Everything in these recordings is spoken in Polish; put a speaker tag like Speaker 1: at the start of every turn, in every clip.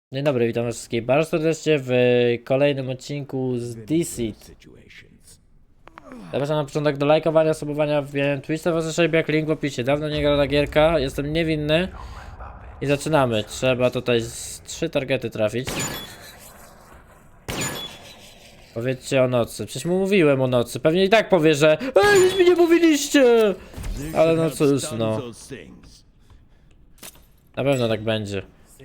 Speaker 1: Dzień dobry, witam was wszystkich bardzo serdecznie w kolejnym odcinku z Deceit. Zapraszam na początek do lajkowania, subowania, wbijania Twitcha, wasze jak link w opisie. Dawno nie grana gierka, jestem niewinny. I zaczynamy. Trzeba tutaj z 3 targety trafić. Powiedzcie o nocy. Przecież mu mówiłem o nocy. Pewnie i tak powie, że ej, nic mi nie mówiliście! Ale no cóż, no. Na pewno tak będzie.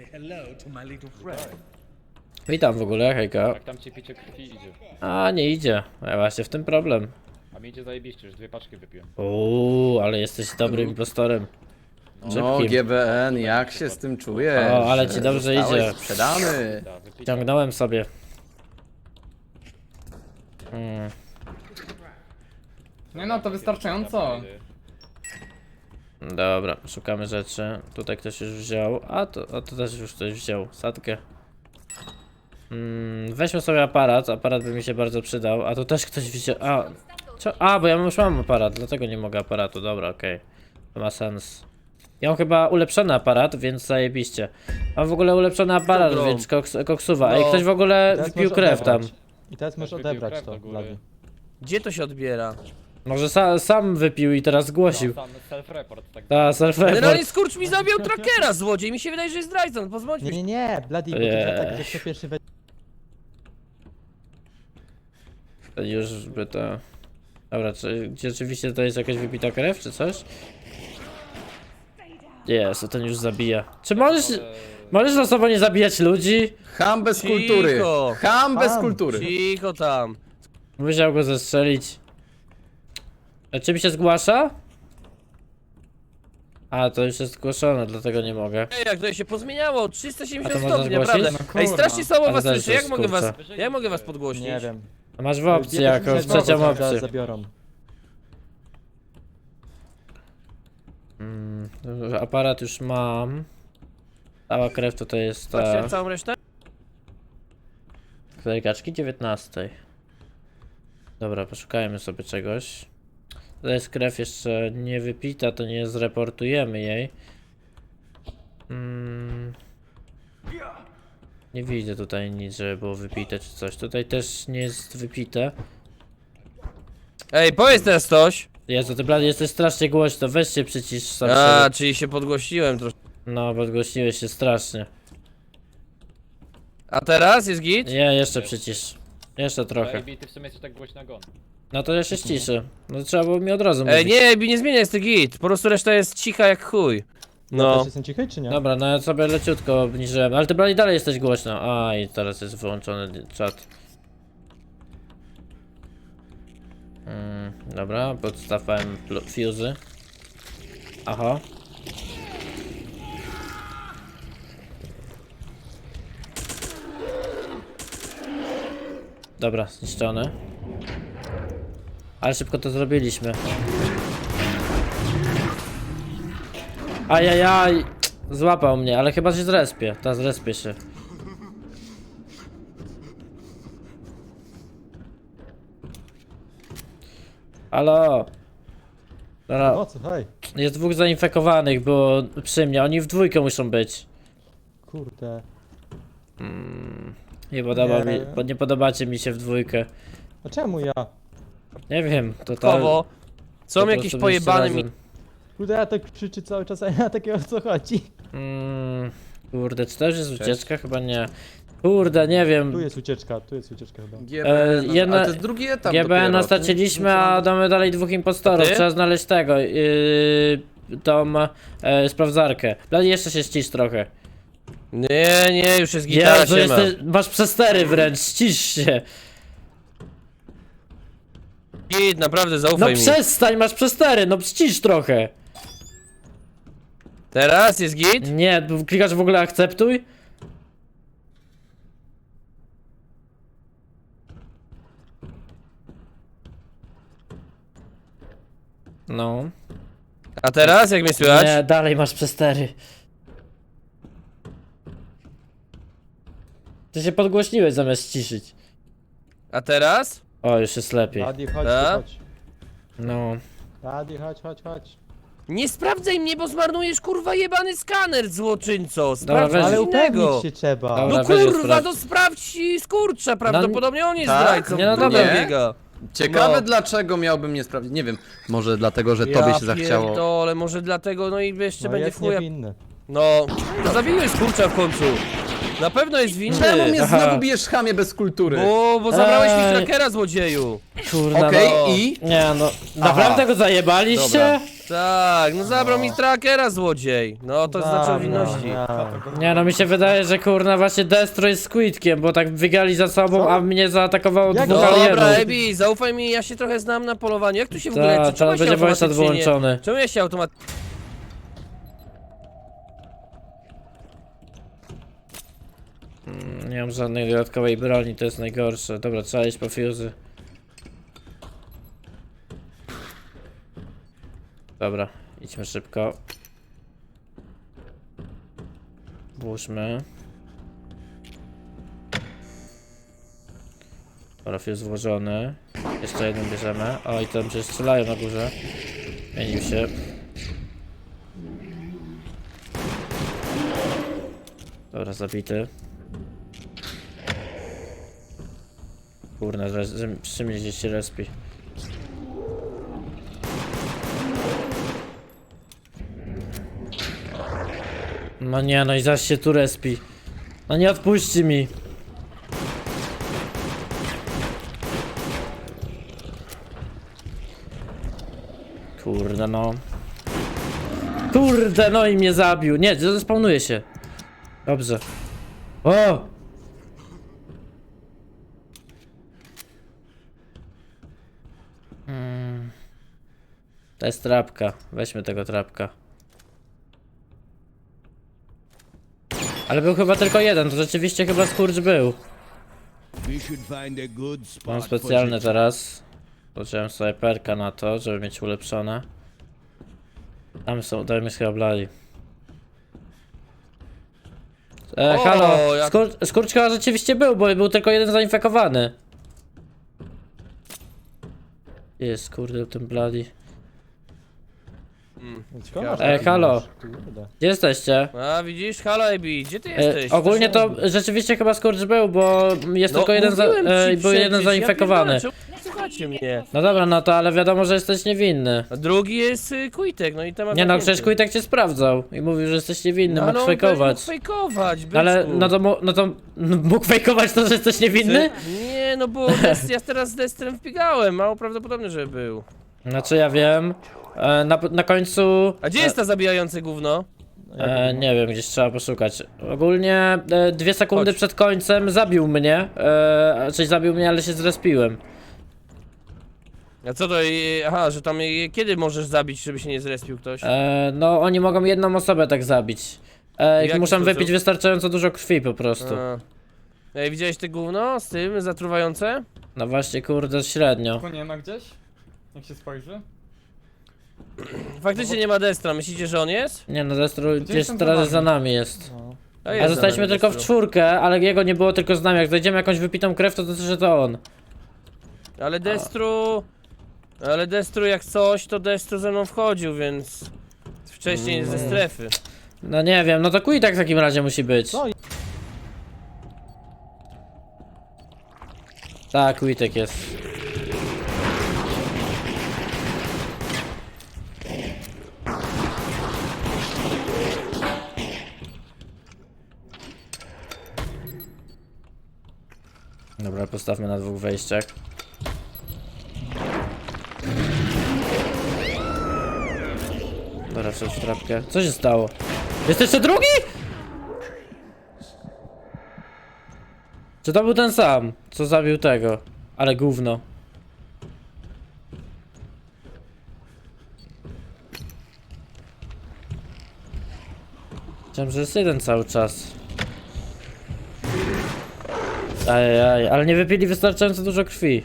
Speaker 1: Witam w ogóle, hejka.
Speaker 2: Jak tam ci picie krwi idzie.
Speaker 1: A, nie idzie. A właśnie w tym problem.
Speaker 2: A mi idzie zajebiście, już 2 paczki wypiłem.
Speaker 1: Ale jesteś dobrym impostorem.
Speaker 3: No,
Speaker 1: Szybkim.
Speaker 3: GBN, jak się z tym czujesz?
Speaker 1: O, ale ci dobrze
Speaker 3: Zostałeś
Speaker 1: idzie.
Speaker 3: sprzedany.
Speaker 2: Da, wypicie.
Speaker 1: Ciągnąłem sobie.
Speaker 4: Nie no, to wystarczająco.
Speaker 1: Dobra, szukamy rzeczy. Tutaj ktoś już wziął. A to też już ktoś wziął. Sadkę. Weźmy sobie aparat. Aparat by mi się bardzo przydał. A tu też ktoś wziął. Bo ja już mam aparat, dlatego nie mogę aparatu. Dobra, okej. To ma sens. Ja mam chyba ulepszony aparat, więc zajebiście. Mam w ogóle ulepszony aparat,
Speaker 3: Dobrą.
Speaker 1: więc koksuwa. Ej, ktoś w ogóle
Speaker 5: teraz
Speaker 1: wypił
Speaker 5: możesz
Speaker 1: krew tam.
Speaker 5: odebrać. I teraz możesz
Speaker 2: wypił
Speaker 5: odebrać
Speaker 2: krew
Speaker 5: to,
Speaker 2: do góry.
Speaker 5: Blady.
Speaker 6: Gdzie to się odbiera?
Speaker 1: Może sam wypił i teraz zgłosił.
Speaker 2: Sam self-report, tak.
Speaker 1: Ta, self-report.
Speaker 6: Generalnie skurcz mi zabił trackera, złodziej. Mi się wydaje, że jest zdrajcą, pozwólcie mi.
Speaker 5: Nie, Blady, bo to
Speaker 1: Eee.
Speaker 5: jest tak, że kto pierwszy we...
Speaker 1: Już by to... Dobra, czy rzeczywiście to jest jakaś wypita krew, czy coś? Jest, ten już zabija. Czy możesz losowo nie zabijać ludzi?
Speaker 3: Ham bez kultury.
Speaker 6: Cicho.
Speaker 3: Ham bez
Speaker 5: Ham.
Speaker 3: kultury.
Speaker 6: Cicho tam.
Speaker 1: Musiał go zestrzelić. A czym się zgłasza? A, to już jest zgłoszone, dlatego nie mogę.
Speaker 6: Ej, jak to się pozmieniało,
Speaker 1: A
Speaker 6: 370
Speaker 1: to można
Speaker 6: stopni,
Speaker 1: zgłosić?
Speaker 6: naprawdę.
Speaker 5: No
Speaker 6: Ej,
Speaker 5: kurwa.
Speaker 6: strasznie słabo
Speaker 1: Ale
Speaker 6: was
Speaker 1: też
Speaker 6: słyszę,
Speaker 1: jest
Speaker 6: jak mogę was podgłośnić?
Speaker 5: Nie wiem.
Speaker 1: A masz w opcji
Speaker 5: Bierzesz mi
Speaker 1: jakąś,
Speaker 5: za głowę,
Speaker 1: trzecią
Speaker 5: zaraz
Speaker 1: opcję.
Speaker 5: zabiorą.
Speaker 1: Aparat już mam. Cała krew tutaj jest
Speaker 6: Patrzcie
Speaker 1: ta...
Speaker 6: całą resztę?
Speaker 1: Której kaczki? 19. Dobra, poszukajmy sobie czegoś. Tutaj jest krew jeszcze nie wypita, to nie zreportujemy jej. Nie widzę tutaj nic, żeby było wypite czy coś. Tutaj też nie jest wypite.
Speaker 6: Ej, powiedz teraz coś.
Speaker 1: Jezu, ty blady jesteś strasznie głośno, weź się przycisz sam
Speaker 6: A,
Speaker 1: siebie.
Speaker 6: czyli się podgłośniłem troszkę.
Speaker 1: No, podgłośniłeś się strasznie.
Speaker 6: A teraz jest git?
Speaker 1: Nie, jeszcze przycisz. Jeszcze trochę.
Speaker 2: Baby, ty w sumie jesteś tak głośno jak on.
Speaker 1: No to ja się ściszę. No trzeba było mi od razu
Speaker 6: Ej,
Speaker 1: mówić.
Speaker 6: nie zmienia, jest to git. Po prostu reszta jest cicha jak chuj.
Speaker 5: No.
Speaker 6: No.
Speaker 5: Też jestem cichy, czy nie?
Speaker 1: Dobra, no ja sobie leciutko obniżyłem, ale ty blady dalej jesteś głośno. A i teraz jest wyłączony czat. Dobra, podstawałem fuzy. Aha. Dobra, zniszczone. Ale szybko to zrobiliśmy. Ajajaj! Złapał mnie, ale chyba się zrespie. Ta zrespie się. Halo! Dobra,
Speaker 5: No co, hej.
Speaker 1: jest 2 zainfekowanych, było przy mnie. Oni w dwójkę muszą być.
Speaker 5: Kurde.
Speaker 1: Nie podobacie mi się w dwójkę.
Speaker 5: A czemu ja?
Speaker 1: Nie wiem, to
Speaker 6: Kowo. Są
Speaker 1: po
Speaker 6: jakieś
Speaker 1: prostu
Speaker 6: pojebane
Speaker 1: byliście
Speaker 6: mi...
Speaker 1: razem.
Speaker 5: Kurde, ja tak krzyczy cały czas, a ja takiego o co chodzi.
Speaker 1: Kurde, czy to już jest ucieczka? Chyba nie. Kurde, nie wiem.
Speaker 5: Tu jest ucieczka chyba.
Speaker 3: GBN,
Speaker 1: jedna-
Speaker 3: ale to jest drugi etap
Speaker 1: GBN
Speaker 3: dopiero.
Speaker 1: straciliśmy, a damy dalej 2 impostorów.
Speaker 6: Ty?
Speaker 1: Trzeba znaleźć tego. Tą sprawdzarkę. Blady, jeszcze się ścisz trochę.
Speaker 6: Nie, już jest gitara,
Speaker 1: Jezu,
Speaker 6: siema.
Speaker 1: masz przestery wręcz, ścisz się.
Speaker 6: Git, naprawdę,
Speaker 1: No
Speaker 6: zaufaj mi.
Speaker 1: przestań, masz przestery, no ścisz trochę.
Speaker 6: Teraz jest git?
Speaker 1: Nie, klikasz w ogóle akceptuj? No.
Speaker 6: A teraz, jak mnie słychać?
Speaker 1: Nie, dalej masz przestery. Ty się podgłośniłeś zamiast ciszyć.
Speaker 6: A teraz?
Speaker 1: O, już jest lepiej.
Speaker 5: Blady, chodź,
Speaker 6: A?
Speaker 5: chodź.
Speaker 1: No.
Speaker 5: Blady, chodź.
Speaker 6: Nie sprawdzaj mnie, bo zmarnujesz kurwa jebany skaner, złoczyńco!
Speaker 1: Dobra,
Speaker 6: Sprawdź
Speaker 1: weź-
Speaker 6: coś
Speaker 5: Ale
Speaker 6: innego!
Speaker 5: upewnić się trzeba.
Speaker 1: Dobra.
Speaker 6: No
Speaker 1: weź ją
Speaker 6: kurwa,
Speaker 1: sprawdź.
Speaker 6: to sprawdź skurcza, prawdopodobnie on jest
Speaker 3: tak?
Speaker 6: zdrajcą.
Speaker 1: Nie, no dobra.
Speaker 6: biega.
Speaker 3: Ciekawe
Speaker 6: No.
Speaker 3: dlaczego miałbym nie sprawdzić. Nie wiem, może dlatego, że tobie się zachciało.
Speaker 6: pierdolę, może dlatego, no i jeszcze
Speaker 5: No
Speaker 6: będzie
Speaker 5: jest
Speaker 6: w chuja.
Speaker 5: niewinny.
Speaker 6: No, no zabiłeś skurcza w końcu. Na pewno jest winny.
Speaker 3: Czemu mnie
Speaker 1: Aha.
Speaker 3: znowu bijesz chamie bez kultury?
Speaker 6: Bo zabrałeś mi
Speaker 1: Ej.
Speaker 6: trackera, złodzieju.
Speaker 1: Kurna,
Speaker 3: Okej,
Speaker 1: no.
Speaker 3: i?
Speaker 1: Nie no, naprawdę go zajebaliście?
Speaker 3: Dobra.
Speaker 6: Tak, no zabrał mi trackera, złodziej. No to znaczy o winności.
Speaker 1: Nie no, mi się wydaje, że kurna właśnie Destro jest Squidkiem, bo tak wygali za sobą,
Speaker 5: Co?
Speaker 1: a mnie zaatakowało
Speaker 5: Jak?
Speaker 1: dwóch
Speaker 6: Dobra,
Speaker 1: alienów.
Speaker 6: Ebi, zaufaj mi, ja się trochę znam na polowaniu. Jak tu się w ogóle...
Speaker 1: Tak,
Speaker 6: czemu
Speaker 1: teraz
Speaker 6: ja się
Speaker 1: będzie voice
Speaker 6: automatycznie nie-
Speaker 1: wyłączony.
Speaker 6: Czemu ja się automatycznie...
Speaker 1: Nie mam żadnej dodatkowej broni, to jest najgorsze. Dobra, trzeba iść po fuzy. Dobra, idźmy szybko. Włóżmy. Dobra, fuse włożony. Jeszcze jeden bierzemy. O, i tam się strzelają na górze. Zmienił się. Dobra, zabity. Kurna, przy mnie gdzieś się respi. No nie, no i zaś się tu respi. No nie odpuści mi. Kurde no. Kurde no i mnie zabił. Nie, zespawnuje się. Dobrze. O! To jest trapka. Weźmy tego trapka. Ale był chyba tylko jeden, to rzeczywiście chyba skurcz był. Mam specjalny teraz. Włożyłem sobie perka na to, żeby mieć ulepszone. Tam jest chyba blali.
Speaker 6: O,
Speaker 1: Halo,
Speaker 6: jak-
Speaker 1: skurcz chyba rzeczywiście był, bo był tylko jeden zainfekowany. Jest, kurde, ten blali. Halo, gdzie jesteście?
Speaker 6: A widzisz, halo Ebi, gdzie ty jesteś?
Speaker 1: Ogólnie to rzeczywiście chyba skurcz był, bo jest tylko jeden,
Speaker 6: mówiłem ci
Speaker 1: był jeden
Speaker 6: przecież,
Speaker 1: zainfekowany.
Speaker 6: Ja pierdolę, czemu nie słuchacie mnie.
Speaker 1: No dobra, no to ale wiadomo, że jesteś niewinny.
Speaker 6: A drugi jest Kujtek, no i temat
Speaker 1: Nie no,
Speaker 6: zamknięty.
Speaker 1: przecież Kujtek cię sprawdzał i mówił, że jesteś niewinny,
Speaker 6: No,
Speaker 1: mógł
Speaker 6: ale on
Speaker 1: fejkować.
Speaker 6: mógł fejkować, byczku.
Speaker 1: Ale no to mógł fejkować to, że jesteś niewinny?
Speaker 6: Nie, no bo ja teraz z Destrem wbiegałem, mało prawdopodobne, że był.
Speaker 1: Znaczy ja wiem. Na końcu...
Speaker 6: A gdzie jest ta zabijające gówno?
Speaker 1: Nie wiem, gdzieś trzeba poszukać. Ogólnie 2 sekundy
Speaker 6: Chodź.
Speaker 1: przed końcem zabił mnie. Czyli zabił mnie, ale się zrespiłem.
Speaker 6: A co to, aha, że tam kiedy możesz zabić, żeby się nie zrespił ktoś?
Speaker 1: No oni mogą jedną osobę tak zabić.
Speaker 6: W jaki
Speaker 1: Muszą
Speaker 6: sposób?
Speaker 1: wypić wystarczająco dużo krwi po prostu.
Speaker 6: A. Ej, widziałeś te gówno z tym, zatruwające?
Speaker 1: No właśnie, kurde, średnio.
Speaker 4: Tu nie ma gdzieś? Jak się spojrzy?
Speaker 6: Faktycznie nie ma Destra, myślicie, że on jest?
Speaker 1: Nie no, Destro gdzieś
Speaker 4: jestem
Speaker 1: teraz
Speaker 4: za
Speaker 1: jest za nami jest.
Speaker 5: No.
Speaker 6: A,
Speaker 1: A
Speaker 6: jest
Speaker 1: zostaliśmy
Speaker 6: za nami
Speaker 1: tylko w
Speaker 6: Destro.
Speaker 1: 4, ale jego nie było tylko z nami. Jak znajdziemy jakąś wypitą krew, to znaczy, że to on.
Speaker 6: Ale Destru jak coś, to Destru ze mną wchodził, więc... Wcześniej ze strefy.
Speaker 1: No nie wiem, no to Kujtek w takim razie musi być.
Speaker 5: Co?
Speaker 1: Tak, Kujtek jest. Dobra, postawmy na 2 wejściach. Dobra, wszedł w trapkę. Co się stało? Jest jeszcze drugi? Czy to był ten sam, co zabił tego? Ale gówno. Myślałem, że jest jeden cały czas. Ajajaj, ale nie wypili wystarczająco dużo krwi.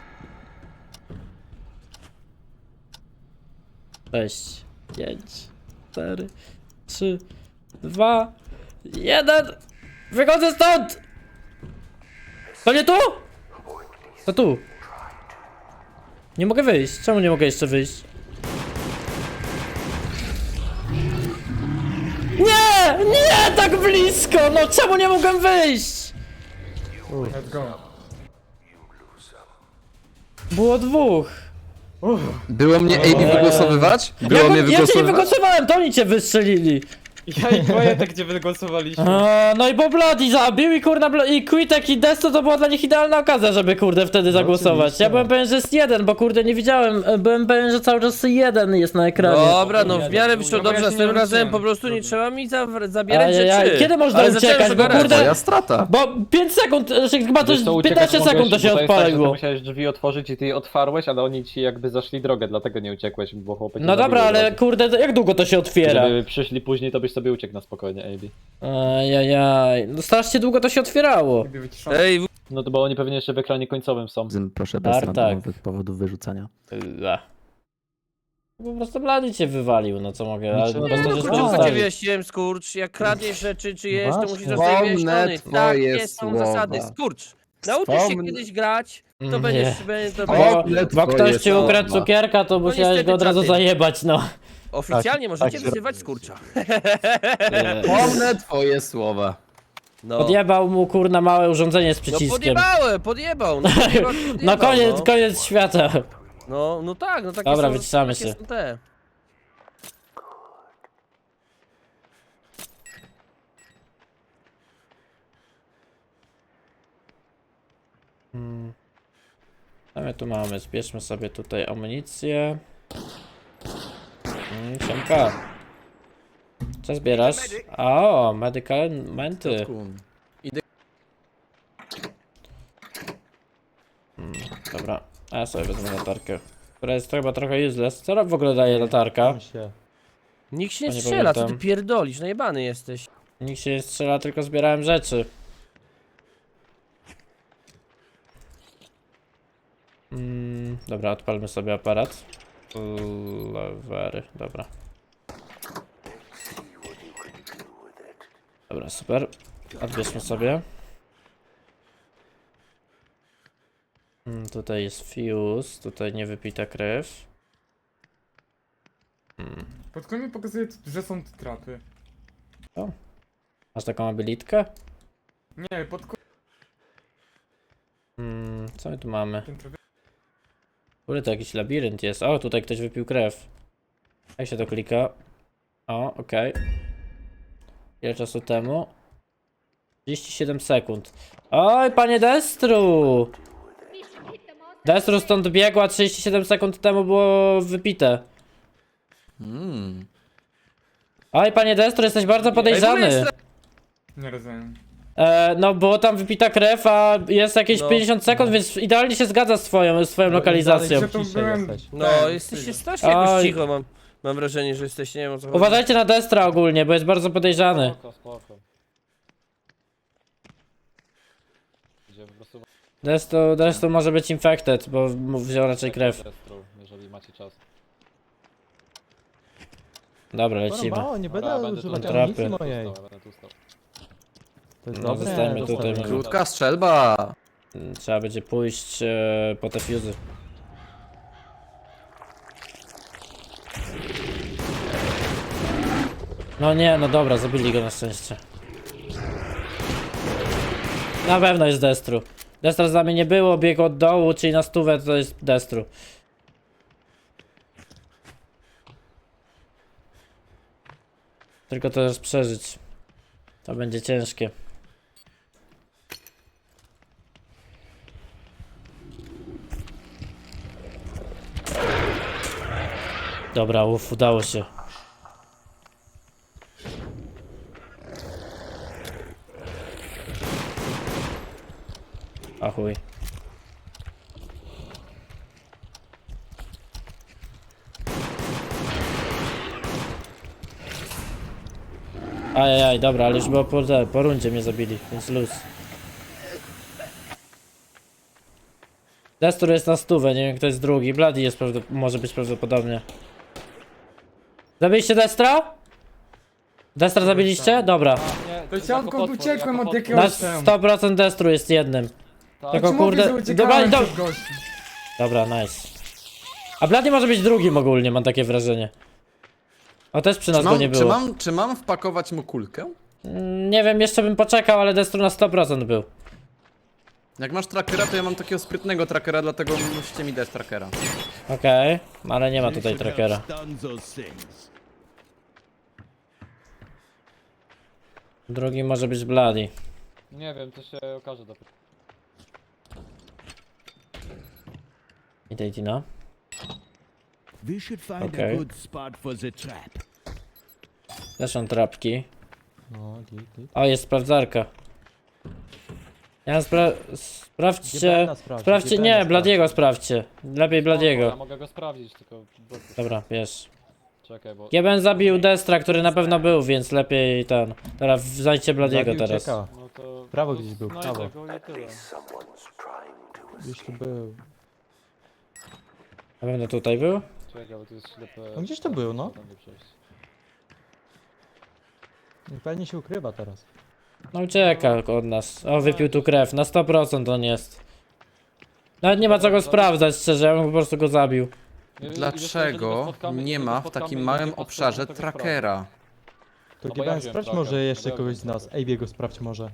Speaker 1: 6, 5, 4, 3, 2, 1. Wychodzę stąd! To nie tu? To tu. Nie mogę wyjść. Czemu nie mogę jeszcze wyjść? Nie! Nie! Tak blisko! No czemu nie mogłem wyjść?
Speaker 4: Let's go.
Speaker 1: Było dwóch.
Speaker 3: Było mnie AB wygłosowywać? Było mnie
Speaker 1: Ja cię nie
Speaker 3: wygłosowywać?
Speaker 1: wygłosowałem, to oni cię wystrzelili.
Speaker 4: Ja i Wojtek, gdzie wygłosowaliśmy.
Speaker 1: No i bo Bloody zabił i kurna i Quitek i Desto to była dla nich idealna okazja, żeby kurde wtedy zagłosować.
Speaker 5: oczywiście.
Speaker 1: Ja byłem pewien, że jest jeden, bo kurde nie widziałem, byłem pewien, że cały czas jeden jest na ekranie.
Speaker 6: Dobra, no w miarę wyszło
Speaker 4: No bo ja
Speaker 6: dobrze,
Speaker 4: się nie
Speaker 6: następnym razem
Speaker 4: uczyłem.
Speaker 6: po prostu nie trzeba mi zabierać
Speaker 1: Ajajaj,
Speaker 6: rzeczy.
Speaker 1: kiedy można
Speaker 6: Ale zacząłem
Speaker 1: uciekać, bo
Speaker 6: sobie
Speaker 1: kurde-
Speaker 3: Moja strata.
Speaker 1: Bo 5 sekund, chyba to
Speaker 2: Wiesz co, uciekać
Speaker 1: 15 sekund to
Speaker 2: mogłeś,
Speaker 1: się
Speaker 2: bo jest tak, że ty
Speaker 1: odpaliło.
Speaker 2: musiałeś drzwi otworzyć i ty je otwarłeś, ale oni ci jakby zaszli drogę, dlatego nie uciekłeś, bo chłopaki
Speaker 1: No dobra, ale kurde, jak długo to się otwiera?
Speaker 2: Gdyby przyszli później, to byś sobie uciekł na spokojnie, AB.
Speaker 1: Ajajaj, no strasznie długo to się otwierało.
Speaker 4: Lubię wyciszony.
Speaker 6: Ej,
Speaker 2: No to bo oni pewnie jeszcze w ekranie końcowym są.
Speaker 3: Proszę
Speaker 1: bez
Speaker 3: bez
Speaker 1: randomowych
Speaker 3: randomowych powodów wyrzucania.
Speaker 1: Po prostu Blady cię wywalił, no co mogę, ale
Speaker 3: Niczego
Speaker 1: bez to, że
Speaker 3: nie
Speaker 1: się
Speaker 3: było.
Speaker 6: co ci
Speaker 1: zostawił.
Speaker 6: wyjaśniłem, skurcz? Jak kradniesz rzeczy czyjeś, to
Speaker 5: Właśnie.
Speaker 6: musisz zostać wyjaśniony.
Speaker 3: Wspomnę
Speaker 6: Takie
Speaker 3: twoje
Speaker 6: są
Speaker 3: słowa.
Speaker 6: zasady, skurcz. Nauczysz się
Speaker 3: Wspomnę-
Speaker 6: kiedyś grać, to
Speaker 1: Nie.
Speaker 6: będziesz... To
Speaker 1: Bo,
Speaker 6: będziesz
Speaker 1: bo ktoś ci
Speaker 3: twoje
Speaker 1: ukradł
Speaker 3: słowa.
Speaker 1: cukierka, to musiałeś
Speaker 6: niestety
Speaker 1: go od razu
Speaker 6: czasy.
Speaker 1: zajebać, no.
Speaker 6: oficjalnie możecie
Speaker 5: tak,
Speaker 6: wyzywać skurcza.
Speaker 3: Pomnę twoje słowa.
Speaker 6: No,
Speaker 1: Podjebał mu kurna małe urządzenie z
Speaker 6: no
Speaker 1: przyciskiem.
Speaker 6: podjebał.
Speaker 1: No koniec świata.
Speaker 6: No tak, no takie
Speaker 1: Dobra,
Speaker 6: są,
Speaker 1: wyciszamy
Speaker 6: takie
Speaker 1: się.
Speaker 6: są te.
Speaker 1: Co my tu mamy? Zbierzmy sobie tutaj amunicję. Siemka. Co zbierasz? O, medykamenty. Dobra, a ja sobie wezmę latarkę. Która jest chyba trochę useless. Co w ogóle daje latarka?
Speaker 5: Tam się.
Speaker 6: Nikt się nie
Speaker 1: Nie
Speaker 6: strzela, co ty
Speaker 1: pamiętam.
Speaker 6: pierdolisz, najebany jesteś.
Speaker 1: Nikt się nie strzela, tylko zbierałem rzeczy. Dobra, odpalmy sobie aparat. Lewery, dobra. Dobra, super. Odbierzmy sobie. Tutaj jest fuse, tutaj niewypita krew.
Speaker 4: Pod koniec pokazuje, że są tu trapy.
Speaker 1: Masz taką abilitkę?
Speaker 4: Nie, pod koniec
Speaker 1: Co my tu mamy?
Speaker 4: ten człowiek.
Speaker 1: Kurde, to jakiś labirynt jest. O, tutaj ktoś wypił krew. Jak się to klika? O, okej. Ile czasu temu? 37 sekund. Oj, panie Destru! Destru stąd biegła 37 sekund temu było wypite. Oj, panie Destru, jesteś bardzo podejrzany.
Speaker 4: Nie rozumiem.
Speaker 1: No, było tam wypita krew, a jest jakieś
Speaker 6: No.
Speaker 1: 50 sekund, więc idealnie się zgadza z twoją lokalizacją.
Speaker 4: Że to
Speaker 5: Ciszej
Speaker 4: byłem...
Speaker 5: jesteś.
Speaker 6: No,
Speaker 4: ten,
Speaker 6: jesteście
Speaker 4: tyle.
Speaker 6: strasznie jakoś
Speaker 1: Oj.
Speaker 6: cicho, mam wrażenie, że jesteście, nie wiem o co chodzi.
Speaker 1: Uważajcie na Destra ogólnie, bo jest bardzo podejrzany.
Speaker 2: Spoko. Gdzie po prostu
Speaker 1: Destru może być infected, bo wziął raczej krew.
Speaker 2: Destru, jeżeli macie czas.
Speaker 1: Dobra, lecimy.
Speaker 5: Mało, nie
Speaker 2: Dobra,
Speaker 5: będę
Speaker 2: będę
Speaker 5: używać
Speaker 1: tu
Speaker 5: amunicji
Speaker 1: trapy.
Speaker 5: mojej.
Speaker 2: Będę tu stał.
Speaker 5: To jest
Speaker 1: No,
Speaker 5: dobre,
Speaker 1: zostańmy
Speaker 5: dobre.
Speaker 1: tutaj, może.
Speaker 3: Krótka strzelba.
Speaker 1: Trzeba będzie pójść po te fuzy. No nie, no dobra, zabili go na szczęście. Na pewno jest Destru. Destra z nami nie było, biegł od dołu, czyli na stówę to jest Destru. Tylko teraz przeżyć. To będzie ciężkie. Dobra, udało się. A chuj. Ajajaj, dobra, ale już było po rundzie mnie zabili, więc luz. Destur jest na stówę, nie wiem kto jest drugi. Bloody jest może być prawdopodobnie. Zabiliście Destra? Destra zabiliście? Dobra.
Speaker 4: To ja odkąd uciekłem od
Speaker 1: Na
Speaker 4: jakiegoś tam.
Speaker 1: 100% Destru jest jednym. Tylko
Speaker 4: Ci mówię, że
Speaker 1: kurde...
Speaker 4: uciekałem
Speaker 1: Dobra,
Speaker 4: przed gościem.
Speaker 1: dobra, nice. A Bloody może być drugim ogólnie, mam takie wrażenie. O, też przy nas go nie było.
Speaker 3: Czy mam wpakować mu kulkę?
Speaker 1: Nie wiem, jeszcze bym poczekał, ale Destru na 100% był.
Speaker 3: Jak masz trackera, to ja mam takiego sprytnego trackera, dlatego musicie mi dać trackera.
Speaker 1: Okej, ale nie ma tutaj trackera. Drugi może być Bloody.
Speaker 2: Nie wiem, to się okaże dopiero.
Speaker 1: Idę, Tina.
Speaker 7: We should find
Speaker 1: Okay.
Speaker 7: a good spot for the trap.
Speaker 1: Też są trapki.
Speaker 5: No, git.
Speaker 1: O, jest sprawdzarka. Ja sprawdźcie. Sprawdźcie, nie, Bladiego sprawdźcie. Lepiej
Speaker 2: Ja
Speaker 1: Bladiego.
Speaker 2: mogę go sprawdzić, tylko...
Speaker 1: Dobra, wiesz.
Speaker 2: Czekaj, bo...
Speaker 1: Ja bym zabił Destra, który na pewno był, więc lepiej ten. Teraz zajdźcie Bladiego
Speaker 5: Zabił,
Speaker 1: teraz.
Speaker 5: ucieka.
Speaker 2: No to...
Speaker 5: Prawo
Speaker 2: to
Speaker 5: gdzieś był,
Speaker 2: znajdę
Speaker 5: prawo.
Speaker 2: go i tyle.
Speaker 5: Gdzieś tu był.
Speaker 1: Na pewno tutaj był?
Speaker 2: Czekaj, bo to jest ślepe...
Speaker 5: No gdzieś to był, no.
Speaker 2: Tam nie przejść.
Speaker 5: Pewnie się ukrywa teraz.
Speaker 1: No ucieka od nas. O, wypił tu krew. Na 100% on jest. Nawet nie ma co go sprawdzać, szczerze, ja bym po prostu go zabił.
Speaker 2: Nie,
Speaker 3: Dlaczego nie ma w takim małym obszarze trackera?
Speaker 5: To
Speaker 2: No bo
Speaker 5: GBN
Speaker 2: ja wiem,
Speaker 5: sprawdź
Speaker 2: tracker.
Speaker 5: może jeszcze
Speaker 2: Ja
Speaker 5: kogoś
Speaker 2: wiem,
Speaker 5: z nas.
Speaker 2: tracker.
Speaker 5: AB go sprawdź może.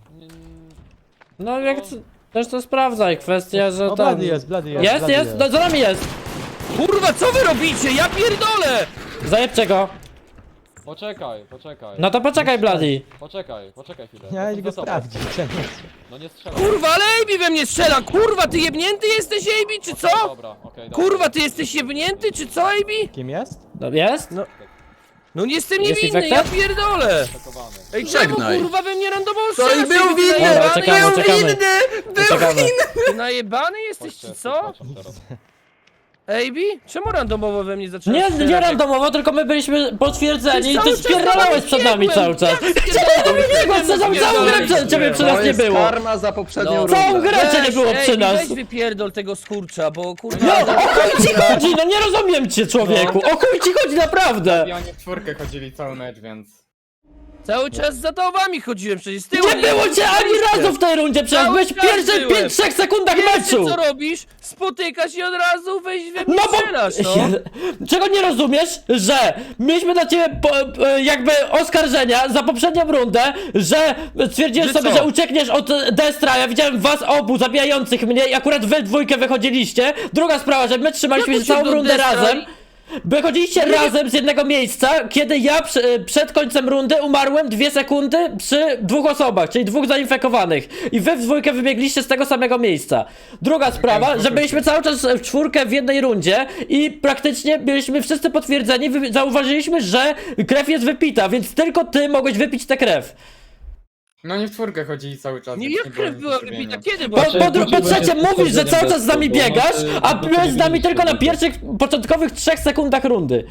Speaker 1: No jak też to sprawdzaj, kwestia, że
Speaker 5: O,
Speaker 1: tam...
Speaker 5: Blady jest, Blady jest.
Speaker 1: Jest,
Speaker 5: Blady
Speaker 1: jest, no, za nami jest!
Speaker 6: Kurwa, co wy robicie? Ja pierdolę!
Speaker 1: Zajebcie go!
Speaker 2: Poczekaj.
Speaker 1: No to poczekaj, Bloody!
Speaker 2: Poczekaj chwilę.
Speaker 5: Ja
Speaker 2: Jestem
Speaker 5: go
Speaker 2: za tobą.
Speaker 5: sprawdzić.
Speaker 2: No nie strzelaj.
Speaker 6: Kurwa, ale AB we mnie strzela! Kurwa, ty jebnięty jesteś, AB, czy co?
Speaker 2: Dobra, okej, dobra.
Speaker 6: Kurwa, ty jesteś jebnięty, czy co, AB?
Speaker 5: Kim jest?
Speaker 1: No jest?
Speaker 6: No nie jestem
Speaker 1: Jest
Speaker 6: niewinny, ja
Speaker 1: infected?
Speaker 6: pierdolę!
Speaker 2: Atakowany.
Speaker 6: Ej, czemu
Speaker 3: Żegnaj.
Speaker 6: kurwa we mnie randomowo
Speaker 3: To i
Speaker 6: strzelasz?
Speaker 3: był
Speaker 6: AB? Ty
Speaker 3: winny!
Speaker 1: Dobra,
Speaker 6: najebany
Speaker 1: czekamy,
Speaker 6: jesteś?
Speaker 1: czekamy. Czekamy.
Speaker 6: Ty najebany jesteś, czy co?
Speaker 2: Patrzę teraz.
Speaker 6: AB? Czemu randomowo we mnie zaczęłaś
Speaker 1: Nie,
Speaker 6: strzelać?
Speaker 1: nie randomowo, tylko my byliśmy potwierdzeni i
Speaker 6: Cały
Speaker 1: ty
Speaker 6: czas
Speaker 1: spierdalałeś przed nami
Speaker 6: biegłem.
Speaker 1: cały czas.
Speaker 6: Jak spierdalałem?
Speaker 1: Biegłem, co tam całą grę przed ciebie przy nas
Speaker 3: To
Speaker 1: nie
Speaker 3: jest
Speaker 1: było.
Speaker 3: karma za poprzednią
Speaker 6: No.
Speaker 1: Całą
Speaker 3: rundę.
Speaker 1: grę cię nie było
Speaker 6: Ej,
Speaker 1: przy nas.
Speaker 6: weź wypierdol tego skurcza, bo kurwa...
Speaker 1: No, o chuj ci chodzi, no nie rozumiem cię, człowieku. O chuj ci chodzi, naprawdę.
Speaker 4: I oni w czwórkę chodzili cały mecz, więc...
Speaker 6: Cały czas za tobami chodziłem przecież, z tyłu
Speaker 1: Nie było cię ani razu w tej rundzie, przecież
Speaker 6: Cały
Speaker 1: byłeś w
Speaker 6: czas
Speaker 1: pierwszych
Speaker 6: byłem.
Speaker 1: 5-3 sekundach
Speaker 6: Wiesz,
Speaker 1: meczu.
Speaker 6: co robisz? Spotykasz i od razu weź we mnie
Speaker 1: No
Speaker 6: strzelasz, no.
Speaker 1: bo... Czego nie rozumiesz? Że mieliśmy dla ciebie jakby oskarżenia za poprzednią rundę, że stwierdziłeś
Speaker 6: Że
Speaker 1: sobie,
Speaker 6: co?
Speaker 1: że uciekniesz od Destra, ja widziałem was obu zabijających mnie i akurat wy dwójkę wychodziliście. Druga sprawa, że my trzymaliśmy
Speaker 6: Jak
Speaker 1: się całą
Speaker 6: uciekł do
Speaker 1: rundę
Speaker 6: Destra
Speaker 1: razem.
Speaker 6: i-
Speaker 1: Wychodziliście razem z jednego miejsca, kiedy ja przed końcem rundy umarłem 2 sekundy przy 2 osobach, czyli 2 zainfekowanych. I wy w dwójkę wybiegliście z tego samego miejsca. Druga sprawa, że byliśmy cały czas w czwórkę w jednej rundzie i praktycznie byliśmy wszyscy potwierdzeni, zauważyliśmy, że krew jest wypita, więc tylko ty mogłeś wypić tę krew.
Speaker 4: No oni w czwórkę chodzili cały czas.
Speaker 6: Nie,
Speaker 4: więc
Speaker 6: jak
Speaker 4: było
Speaker 6: krew
Speaker 4: nic
Speaker 6: była
Speaker 4: do
Speaker 6: wybita?
Speaker 4: zrobienia.
Speaker 6: Kiedy była?
Speaker 1: Po trzecie mówisz, że cały czas z nami biegasz, a byłeś z nami tylko na pierwszych, początkowych 3 sekundach rundy.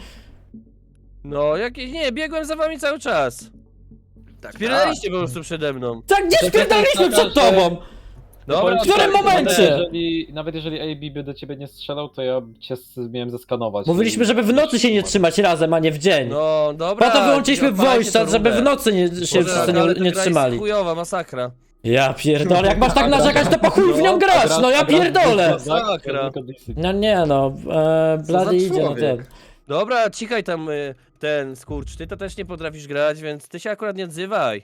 Speaker 6: No, jakieś... Nie, biegłem za wami cały czas.
Speaker 3: Tak,
Speaker 6: Spierdaliście po prostu przede mną.
Speaker 1: Tak, gdzie spierdaliśmy przed tobą?
Speaker 6: Dobra,
Speaker 1: W którym momencie?
Speaker 2: Nawet jeżeli AB by do ciebie nie strzelał, to ja cię miałem zeskanować.
Speaker 1: Mówiliśmy, żeby w nocy się nie trzymać razem, a nie w dzień.
Speaker 6: No, dobra.
Speaker 1: Po to wyłączyliśmy
Speaker 6: odpalajcie
Speaker 1: voice
Speaker 6: tę
Speaker 1: żeby
Speaker 6: rundę.
Speaker 1: w nocy się
Speaker 6: Boże,
Speaker 1: wszyscy
Speaker 6: ale ta
Speaker 1: nie
Speaker 6: gra
Speaker 1: trzymali.
Speaker 6: jest chujowa, masakra.
Speaker 1: Ja pierdolę, jak masz tak narzekać, to po chuj w nią grać, no ja pierdolę.
Speaker 6: Masakra.
Speaker 1: No nie no, Bloody idzie na
Speaker 3: człowiek?
Speaker 1: ten.
Speaker 6: Dobra, cikaj tam ten skurcz, ty to też nie potrafisz grać, więc ty się akurat nie odzywaj.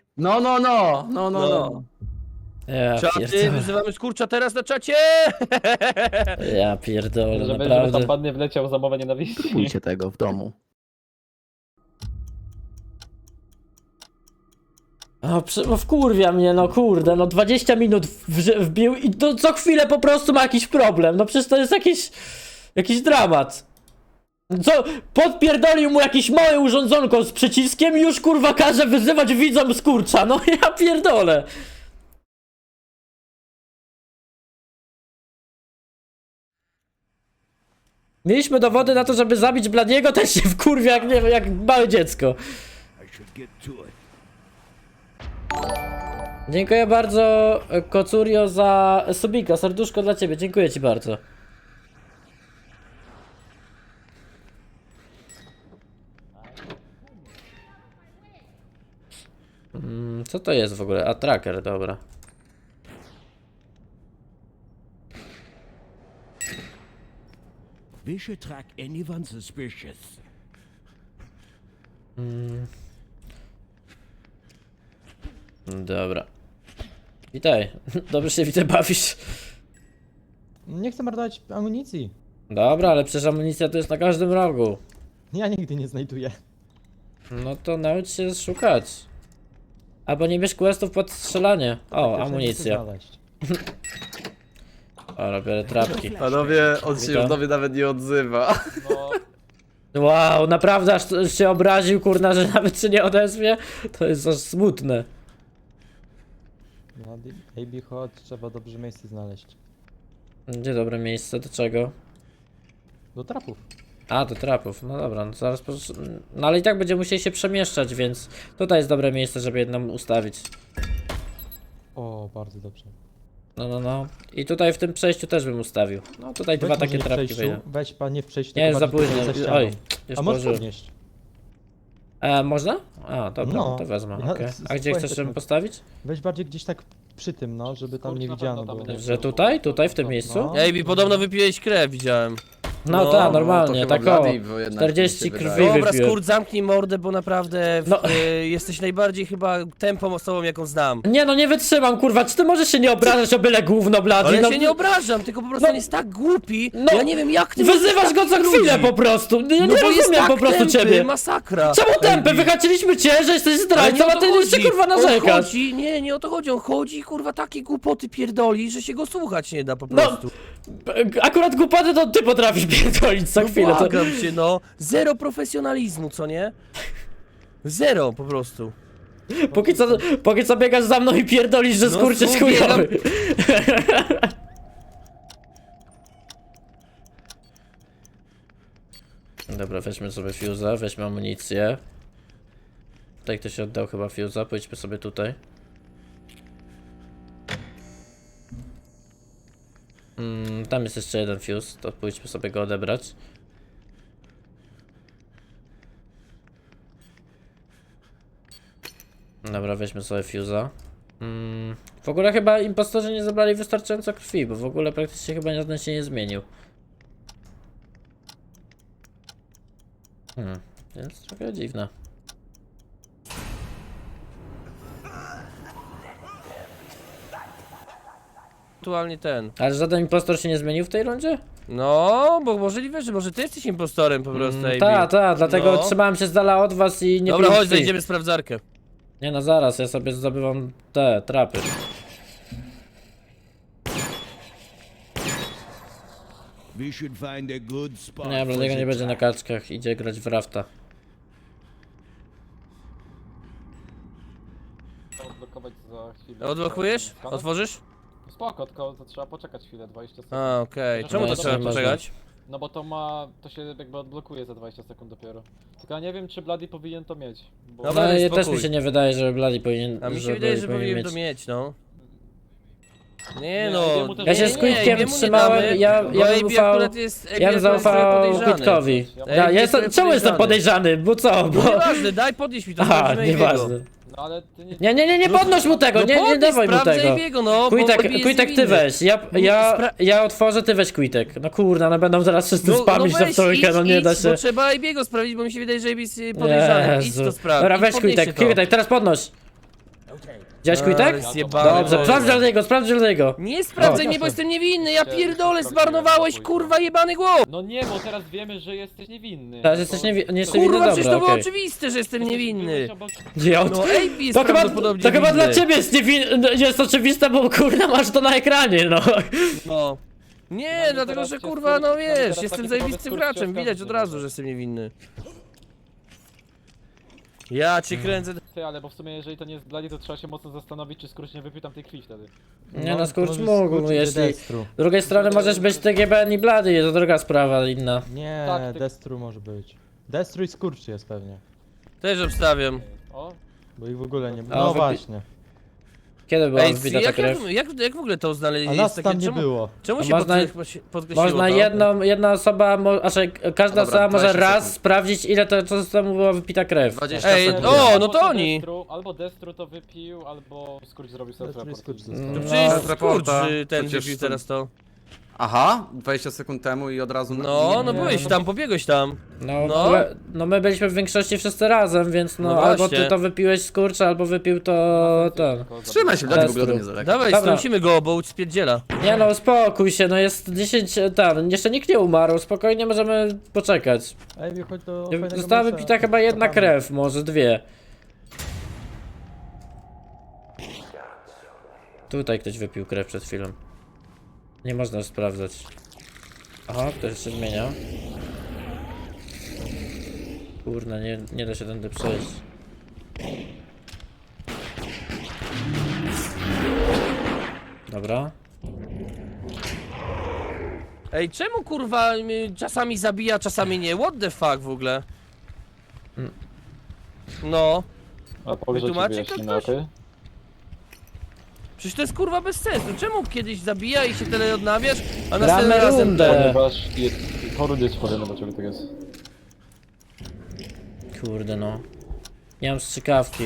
Speaker 3: No.
Speaker 1: Ja
Speaker 6: Czaty,
Speaker 1: pierdolę,
Speaker 6: wyzywamy skurcza teraz na czacie!
Speaker 1: ja pierdolę,
Speaker 2: Żeby
Speaker 1: naprawdę.
Speaker 2: tam pan nie wleciał za mowę nienawiści.
Speaker 3: Kupujcie tego w domu.
Speaker 1: O, wkurwia mnie, no kurde, no 20 minut wbił i to co chwilę po prostu ma jakiś problem, no przecież to jest jakiś dramat. Co, podpierdolił mu jakieś małe urządzonko z przyciskiem i już kurwa każe wyzywać widzom skurcza, no ja pierdolę. Mieliśmy dowody na to, żeby zabić Bladiego, też się wkurwia jak, nie wiem, jak małe dziecko.
Speaker 7: I should get to it.
Speaker 1: Dziękuję bardzo, Kocurio, za subika, serduszko dla ciebie, dziękuję ci bardzo. Co to jest w ogóle? A, tracker, dobra.
Speaker 7: We should track anyone suspicious.
Speaker 1: Dobra. Witaj. Dobrze się widzę, bawisz.
Speaker 5: Nie chcę marnować amunicji.
Speaker 1: Dobra, ale przecież amunicja to jest na każdym rogu.
Speaker 5: Ja nigdy nie znajduję.
Speaker 1: No to naucz się szukać. Albo nie bierz questów pod strzelanie. O,
Speaker 5: Też nie
Speaker 1: amunicja.
Speaker 5: chcę znaleźć.
Speaker 1: O, robię trapki.
Speaker 3: Panowie, on się
Speaker 1: Witam.
Speaker 3: już do mnie nawet nie odzywa.
Speaker 2: No,
Speaker 1: Wow, naprawdę aż się obraził, kurna, że nawet się nie odezwie? To jest aż smutne.
Speaker 5: No, AB chodź, trzeba dobrze miejsce znaleźć.
Speaker 1: Gdzie dobre miejsce? Do czego?
Speaker 5: Do trapów.
Speaker 1: A, do trapów. No dobra, no zaraz no ale i tak będziemy musieli się przemieszczać, więc tutaj jest dobre miejsce, żeby jedną ustawić.
Speaker 5: O, bardzo dobrze.
Speaker 1: No. I tutaj w tym przejściu też bym ustawił. No tutaj dwa
Speaker 5: Weź
Speaker 1: takie
Speaker 5: może nie w
Speaker 1: trapki
Speaker 5: przejściu,
Speaker 1: wejdą.
Speaker 5: weź pan nie w przejściu.
Speaker 1: Nie,
Speaker 5: tylko
Speaker 1: jest za
Speaker 5: bardziej
Speaker 1: późno.
Speaker 5: tutaj za ścianą.
Speaker 1: Oj, już
Speaker 5: A możesz
Speaker 1: położyłem.
Speaker 5: podnieść.
Speaker 1: Można? A, dobra,
Speaker 5: No.
Speaker 1: to wezmę,
Speaker 5: Ja
Speaker 1: okej. A gdzie
Speaker 5: spokojnie
Speaker 1: chcesz,
Speaker 5: tak
Speaker 1: żebym
Speaker 5: mogę.
Speaker 1: postawić?
Speaker 5: Weź bardziej gdzieś tak przy tym, no, żeby tam
Speaker 2: Skurcz
Speaker 5: nie
Speaker 2: na
Speaker 5: widziano
Speaker 2: pewno tam
Speaker 5: było.
Speaker 2: nie-
Speaker 1: Że tutaj? Tutaj w tym miejscu?
Speaker 5: No.
Speaker 6: Ej, podobno wypiłeś krew, widziałem.
Speaker 1: No
Speaker 6: No,
Speaker 1: tak, normalnie,
Speaker 3: to
Speaker 1: tak
Speaker 3: chyba
Speaker 1: o.
Speaker 3: Bloody, bo jednak
Speaker 1: 40
Speaker 3: mi się
Speaker 1: krwi
Speaker 3: wydaje.
Speaker 6: Dobra,
Speaker 1: wypiłem.
Speaker 6: Skurt, zamknij mordę, bo naprawdę
Speaker 1: No.
Speaker 6: jesteś najbardziej chyba tępą osobą, jaką znam.
Speaker 1: Nie no, nie wytrzymam, kurwa, czy ty możesz się nie obrażać o byle gówno, blady?
Speaker 6: Ale
Speaker 1: No,
Speaker 6: ja się nie obrażam, tylko po prostu
Speaker 1: No.
Speaker 6: on jest tak głupi,
Speaker 1: No.
Speaker 6: ja nie wiem jak ty
Speaker 1: Wyzywasz
Speaker 6: możesz
Speaker 1: go co
Speaker 6: takich
Speaker 1: chwilę
Speaker 6: ludzi.
Speaker 1: po prostu. Ja nie
Speaker 6: No bo jest
Speaker 1: rozumiem
Speaker 6: tak
Speaker 1: po prostu
Speaker 6: tępy,
Speaker 1: ciebie.
Speaker 6: masakra.
Speaker 1: Czemu tępy?
Speaker 6: Ej,
Speaker 1: Wychaciliśmy cię, że jesteś
Speaker 6: ale
Speaker 1: zdrajcą,
Speaker 6: nie o
Speaker 1: a
Speaker 6: to
Speaker 1: ty jeszcze
Speaker 6: chodzi.
Speaker 1: kurwa
Speaker 6: On
Speaker 1: narzekasz.
Speaker 6: chodzi, nie o to chodzi, on chodzi kurwa takie głupoty pierdoli, że się go słuchać nie da po
Speaker 1: No,
Speaker 6: prostu.
Speaker 1: Akurat głupoty to ty potrafisz pierdolić co chwilę. To...
Speaker 6: Błagam cię, no. Zero profesjonalizmu, co nie? Zero po prostu.
Speaker 1: Póki co biegasz za mną i pierdolisz, że
Speaker 6: No,
Speaker 1: skurcz jest
Speaker 6: tu biegam.
Speaker 1: chujowy. Dobra, weźmy sobie fuse'a, weźmy amunicję. Tutaj ktoś oddał chyba fuse'a, pójdźmy sobie tutaj. Tam jest jeszcze jeden fuse, to pójdźmy sobie go odebrać. Dobra, weźmy sobie fuse'a. W ogóle chyba impostorzy nie zabrali wystarczająco krwi, bo w ogóle praktycznie chyba żaden się nie zmienił. Więc trochę dziwne.
Speaker 6: Aktualnie ten.
Speaker 1: Ale żaden impostor się nie zmienił w tej rundzie?
Speaker 6: No, bo możliwe, że może ty jesteś impostorem po prostu, AB.
Speaker 1: Tak, dlatego
Speaker 6: No.
Speaker 1: trzymałem się z dala od was i nie
Speaker 6: Dobra,
Speaker 1: piłem
Speaker 6: chodź,
Speaker 1: krwi.
Speaker 6: zajdziemy sprawdzarkę.
Speaker 1: Nie no, zaraz, ja sobie zdobywam te trapy.
Speaker 7: We should find a good spot
Speaker 1: Nie,
Speaker 7: for
Speaker 1: Bladiego
Speaker 7: the
Speaker 1: nie będzie na
Speaker 7: trap.
Speaker 1: kaczkach, idzie grać w rafta.
Speaker 2: trzeba odblokować za chwilę.
Speaker 6: Odblokujesz?
Speaker 2: Skana?
Speaker 6: Otworzysz?
Speaker 2: Spoko, tylko to trzeba poczekać chwilę, 20 sekund.
Speaker 6: A, okej.
Speaker 2: No,
Speaker 6: Czemu to
Speaker 1: nie
Speaker 6: trzeba
Speaker 1: można.
Speaker 6: poczekać?
Speaker 2: No bo to się jakby odblokuje za 20 sekund dopiero. Tylko ja nie wiem, czy Bloody powinien to mieć. Bo...
Speaker 6: Dobra,
Speaker 1: No
Speaker 6: daj
Speaker 1: i też
Speaker 6: spokój.
Speaker 1: mi się nie wydaje, że Bladi powinien.
Speaker 6: A mi się
Speaker 1: że
Speaker 6: wydaje,
Speaker 1: Bloody
Speaker 6: że
Speaker 1: powinien
Speaker 6: powinien to mieć, no. Nie
Speaker 2: Nie,
Speaker 6: no,
Speaker 2: jemu też
Speaker 1: Ja się
Speaker 2: nie,
Speaker 1: z
Speaker 2: nie,
Speaker 1: Quickiem
Speaker 6: jemu nie
Speaker 1: trzymałem,
Speaker 6: damy,
Speaker 1: ja
Speaker 6: bo
Speaker 1: bym
Speaker 6: AB
Speaker 1: ufał.
Speaker 6: akurat jest, AB
Speaker 1: Ja bym
Speaker 6: akurat jest trochę
Speaker 1: zaufał
Speaker 6: podejrzany.
Speaker 1: Quickowi.
Speaker 2: Ja
Speaker 1: Ja
Speaker 6: jest
Speaker 1: jestem,
Speaker 6: trochę
Speaker 1: czemu jestem
Speaker 6: podejrzany.
Speaker 1: podejrzany? Bo co?
Speaker 6: No
Speaker 1: Bo...
Speaker 6: nieważne, daj podnieść mi to,
Speaker 1: Aha,
Speaker 6: sprawdzimy
Speaker 1: nieważne.
Speaker 6: AB'ego.
Speaker 2: No ale ty nie...
Speaker 1: Nie podnoś mu tego,
Speaker 6: No
Speaker 1: nie
Speaker 6: podnieś,
Speaker 1: dawaj mu
Speaker 6: sprawdzaj
Speaker 1: tego.
Speaker 6: AB'ego, no, bo AB jest
Speaker 1: Quitek ty
Speaker 6: niewinny.
Speaker 1: weź, ja otworzę, ty weź Quitek. No kurna, no będą zaraz wszyscy spamić na
Speaker 6: weź,
Speaker 1: trójkę, no nie da
Speaker 6: idź,
Speaker 1: się.
Speaker 6: bo trzeba AB'ego sprawdzić, bo mi się wydaje, że AB jest podejrzany. Idź
Speaker 1: Jezu.
Speaker 6: to sprawdź.
Speaker 1: Dobra,
Speaker 6: idź,
Speaker 1: weź
Speaker 6: podnieście
Speaker 1: Quitek,
Speaker 6: to.
Speaker 1: Quitek, teraz podnoś. Widziałeś Quitek?
Speaker 6: Ale zjebany,
Speaker 1: Dobrze,
Speaker 6: no.
Speaker 1: sprawdź Joldiego.
Speaker 6: Nie sprawdzaj mnie, bo jestem niewinny, ja pierdolę, zmarnowałeś kurwa jebany głos!
Speaker 2: No nie, bo teraz wiemy, że jesteś niewinny.
Speaker 1: Teraz
Speaker 2: No
Speaker 1: jesteś
Speaker 2: to-
Speaker 1: niewinny,
Speaker 6: Kurwa, przecież to
Speaker 1: dobra,
Speaker 6: było
Speaker 1: okej.
Speaker 6: oczywiste, że jestem niewinny.
Speaker 2: Byłeś obok-
Speaker 1: Ja
Speaker 6: No AB jest
Speaker 1: To chyba
Speaker 6: prawdopodobnie
Speaker 1: dla
Speaker 6: winny.
Speaker 1: ciebie jest, jest oczywiste, bo kurna masz to na ekranie, no.
Speaker 6: No. Nie,
Speaker 2: Mamy
Speaker 6: dlatego
Speaker 2: teraz
Speaker 6: że
Speaker 2: cię
Speaker 6: kurwa,
Speaker 2: skurcz-
Speaker 6: no
Speaker 2: mamy
Speaker 6: wiesz,
Speaker 2: teraz
Speaker 6: jestem
Speaker 2: taki
Speaker 6: zajebistym
Speaker 2: typowy
Speaker 6: graczem,
Speaker 2: skurcz
Speaker 6: widać od
Speaker 2: oskarżony,
Speaker 6: razu,
Speaker 2: może.
Speaker 6: że jestem niewinny. Ja cię kręcę.
Speaker 2: Ty, ale bo w sumie jeżeli to nie jest Bloody, to trzeba się mocno zastanowić, czy Skurcz nie wypił tam tej krwi wtedy.
Speaker 1: Nie no, skurcz
Speaker 5: może
Speaker 1: mógł,
Speaker 5: skurcz
Speaker 1: jeśli...
Speaker 5: Destru.
Speaker 1: Z drugiej strony możesz być TGBN i Blady, to druga sprawa inna.
Speaker 5: Nie,
Speaker 2: Tak, ty-
Speaker 5: Destru może być. Destru i Skurcz jest pewnie.
Speaker 6: Też obstawiam.
Speaker 2: O,
Speaker 5: Bo ich w ogóle nie
Speaker 1: A,
Speaker 5: No
Speaker 1: wypi-
Speaker 5: właśnie.
Speaker 1: Kiedy była
Speaker 6: Ej,
Speaker 1: wbita ta
Speaker 6: jak
Speaker 1: krew?
Speaker 6: w ogóle to
Speaker 5: A
Speaker 6: znaleźli?
Speaker 5: nas tam nie
Speaker 6: czemu,
Speaker 5: było.
Speaker 6: czemu
Speaker 1: A
Speaker 6: się
Speaker 1: można-
Speaker 6: podkreśliło
Speaker 1: Można
Speaker 6: to?
Speaker 1: jedna osoba, znaczy każda
Speaker 3: Dobra,
Speaker 1: osoba może
Speaker 3: 20
Speaker 1: raz
Speaker 3: sekund.
Speaker 1: sprawdzić ile to czasu temu była wypita krew.
Speaker 3: 20
Speaker 6: Ej,
Speaker 3: sekund.
Speaker 6: o,
Speaker 2: albo
Speaker 6: no to oni.
Speaker 2: Albo Destru to wypił, albo Skurcz zrobił
Speaker 5: Destru i
Speaker 2: self-report.
Speaker 5: Skurcz
Speaker 6: To
Speaker 5: został.
Speaker 6: przecież
Speaker 3: z raporta,
Speaker 6: Skurcz ten
Speaker 3: przecież
Speaker 6: wypił
Speaker 3: to-
Speaker 6: teraz to.
Speaker 3: Aha, 20 sekund temu i od razu...
Speaker 6: No, no byłeś tam, pobiegłeś tam.
Speaker 1: No,
Speaker 6: No.
Speaker 1: no my byliśmy w większości wszyscy razem, więc no,
Speaker 6: No
Speaker 1: albo
Speaker 6: właśnie.
Speaker 1: ty to wypiłeś skurcz, albo wypił to ten.
Speaker 3: Trzymaj się, Blady, w ogóle do
Speaker 1: Destru.
Speaker 3: mnie z daleka.
Speaker 6: Dawaj,
Speaker 1: Dobra.
Speaker 6: strącimy go, bo spierdziela.
Speaker 1: Nie no, uspokój się, no jest 10, ten, jeszcze nikt nie umarł, spokojnie możemy poczekać.
Speaker 5: Ej, chodź do fajnego
Speaker 1: Została
Speaker 5: miejsca.
Speaker 1: wypita chyba jedna
Speaker 5: Kopamy.
Speaker 1: krew, może dwie. Tutaj ktoś wypił krew przed chwilą. Nie można sprawdzać. Aha, ktoś się zmienia. Kurna, nie da się tędy przejść. Dobra.
Speaker 6: Ej, czemu kurwa czasami zabija, czasami nie? What the fuck w ogóle? No,
Speaker 2: A powiedz, że ci
Speaker 6: Wytłumaczy
Speaker 2: wyjaśnimy,
Speaker 6: to ktoś?
Speaker 2: okej?
Speaker 6: przecież to jest kurwa bez sensu. Czemu kiedyś zabija i się tyle odnawiasz, a
Speaker 1: Gramy
Speaker 6: następnym razem...
Speaker 1: rundę.
Speaker 2: Ponieważ chorudy ci powiem, dlaczego tak jest.
Speaker 1: Kurde no. Nie mam strzykawki.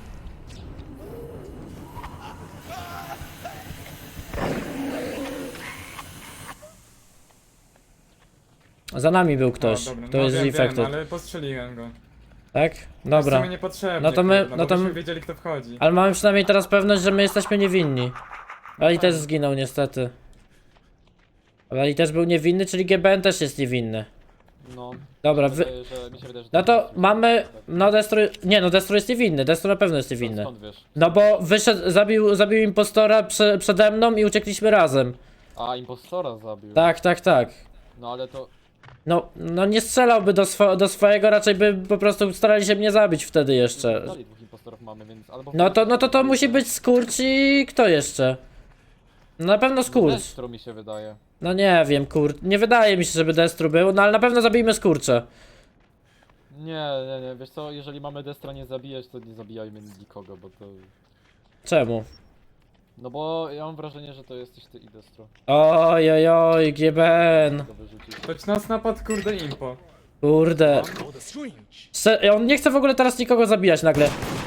Speaker 1: Za nami był ktoś.
Speaker 4: O, dobra,
Speaker 1: To
Speaker 4: no
Speaker 1: jest
Speaker 4: wiem,
Speaker 1: infected.
Speaker 4: wiem, ale postrzeliłem go.
Speaker 1: Tak?
Speaker 4: W
Speaker 1: Dobra.
Speaker 4: sumie niepotrzebnie,
Speaker 1: No to my-
Speaker 4: kurwa,
Speaker 1: no
Speaker 4: bo
Speaker 1: to
Speaker 4: byśmy
Speaker 1: my-
Speaker 4: wiedzieli, kto wchodzi.
Speaker 1: Ale mamy przynajmniej teraz pewność, że my jesteśmy niewinni. Ali też zginął niestety. Ali też był niewinny, czyli GBN też jest niewinny.
Speaker 2: No,
Speaker 1: Dobra,
Speaker 2: mi się wydaje, mi się wydaje, że
Speaker 1: no to
Speaker 2: jest-
Speaker 1: mamy... No Destro... Nie no, Destro jest niewinny. Destro na pewno jest niewinny.
Speaker 2: Skąd wiesz?
Speaker 1: No bo wyszedł, zabił impostora przede mną i uciekliśmy razem.
Speaker 2: A, impostora zabił.
Speaker 1: Tak, tak, tak.
Speaker 2: No ale to...
Speaker 1: No nie strzelałby do swojego, raczej by po prostu starali się mnie zabić wtedy jeszcze.
Speaker 2: Dalej dwóch impostorów mamy, więc albo...
Speaker 1: No to musi być Skurcz i kto jeszcze? No na pewno Skurcz.
Speaker 2: Destro mi się wydaje.
Speaker 1: No nie wiem, nie wydaje mi się, żeby Destru był, no ale na pewno zabijmy Skurcze.
Speaker 2: Nie, wiesz co, jeżeli mamy Destra nie zabijać, to nie zabijajmy nikogo, bo to...
Speaker 1: Czemu?
Speaker 2: No bo ja mam wrażenie, że to jesteś ty i Destro.
Speaker 1: Oj, GBN.
Speaker 2: Go wyrzucić.
Speaker 4: Toć nas napadł, kurde, impo.
Speaker 1: Kurde. On nie chce w ogóle teraz nikogo zabijać nagle.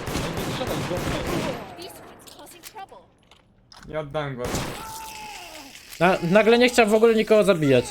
Speaker 8: These ones causing trouble.
Speaker 4: Nie oddam go.
Speaker 1: Nagle nie chciał w ogóle nikogo zabijać.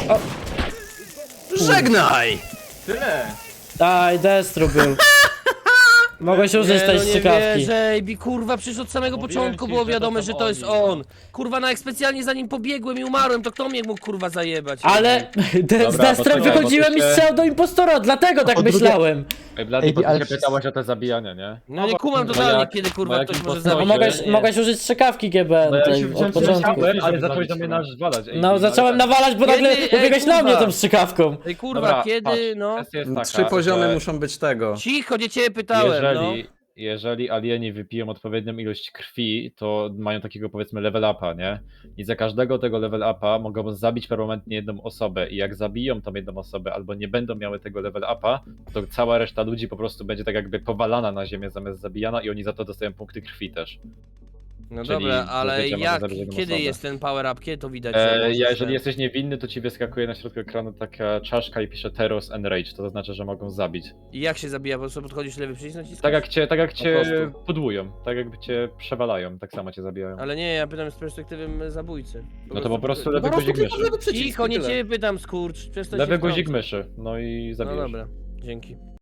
Speaker 3: Żegnaj!
Speaker 4: Tyle!
Speaker 1: Aj, Destru był. Mogłeś użyć tej
Speaker 6: no nie
Speaker 1: strzykawki.
Speaker 6: wierzę, Bi, kurwa, przecież od samego
Speaker 2: Mówiłem
Speaker 6: początku
Speaker 2: ci,
Speaker 6: było
Speaker 2: że
Speaker 6: wiadome,
Speaker 2: to
Speaker 6: że
Speaker 2: są
Speaker 6: to jest
Speaker 2: oni,
Speaker 6: on. Kurwa, jak specjalnie za nim pobiegłem i umarłem, to kto mnie mógł kurwa zajebać?
Speaker 1: Ale z Destrem
Speaker 2: poczekaj,
Speaker 1: wychodziłem
Speaker 2: bo
Speaker 1: i
Speaker 2: ty się-
Speaker 1: strzelał do impostora, dlatego tak myślałem.
Speaker 2: Ej, Blady,
Speaker 5: Ej,
Speaker 2: bo ty
Speaker 5: ale
Speaker 2: się
Speaker 5: wszyscy-
Speaker 2: pytałeś o te zabijania, nie?
Speaker 6: No nie kumam
Speaker 2: bo
Speaker 6: totalnie,
Speaker 2: jak-
Speaker 6: kiedy
Speaker 2: bo
Speaker 6: kurwa
Speaker 2: jak
Speaker 6: ktoś może
Speaker 2: impostor-
Speaker 6: zabić.
Speaker 2: Nie.
Speaker 1: Mogłeś użyć strzykawki GBN
Speaker 2: No ja
Speaker 1: tej,
Speaker 2: się
Speaker 1: od
Speaker 2: wziąłem,
Speaker 1: początku.
Speaker 2: ale zacząłeś do mnie nawalać.
Speaker 1: No zacząłem nawalać, bo
Speaker 6: Kiedy?
Speaker 1: nagle
Speaker 6: Ej,
Speaker 1: pobiegłeś na
Speaker 6: kurwa.
Speaker 1: mnie tą strzykawką.
Speaker 6: Ej kurwa,
Speaker 2: Dobra,
Speaker 6: kiedy,
Speaker 2: patrz,
Speaker 6: no?
Speaker 2: kwestia jest taka,
Speaker 3: 3 poziomy
Speaker 2: że
Speaker 3: muszą być tego.
Speaker 6: Cicho, nie ciebie pytałem, no.
Speaker 2: jeżeli alieni wypiją odpowiednią ilość krwi, to mają takiego powiedzmy level upa, nie? I za każdego tego level upa mogą zabić permanentnie jedną osobę i jak zabiją tą jedną osobę albo nie będą miały tego level upa, to cała reszta ludzi po prostu będzie tak jakby powalana na ziemię zamiast zabijana i oni za to dostają punkty krwi też.
Speaker 6: No
Speaker 2: Czyli,
Speaker 6: dobra,
Speaker 2: to
Speaker 6: ale
Speaker 2: wiecie, można
Speaker 6: jak,
Speaker 2: zabić jedną
Speaker 6: kiedy
Speaker 2: osobę.
Speaker 6: jest ten power up, kiedy to widać? że możesz
Speaker 2: Jeżeli
Speaker 6: ten-
Speaker 2: jesteś niewinny, to ci wyskakuje na środku ekranu taka czaszka i pisze Teros and Rage, to znaczy, że mogą zabić.
Speaker 6: I jak się zabija, po prostu podchodzisz lewy przycisk naciskasz?
Speaker 2: Tak jak cię
Speaker 3: prostu.
Speaker 2: pudłują, tak jakby cię przewalają, tak samo cię zabijają.
Speaker 6: Ale nie, ja pytam z perspektywy zabójcy.
Speaker 2: No to po prostu lewy
Speaker 3: Po prostu
Speaker 2: guzik
Speaker 3: klikasz
Speaker 2: myszy.
Speaker 3: lewy przycisk
Speaker 6: Cicho,
Speaker 3: i
Speaker 6: nie
Speaker 3: tyle.
Speaker 6: ciebie pytam, skurcz, przestań
Speaker 2: Lewy
Speaker 6: się
Speaker 2: guzik
Speaker 6: wtrącać.
Speaker 2: myszy, no i
Speaker 6: No
Speaker 2: zabijesz.
Speaker 6: dobra, dzięki.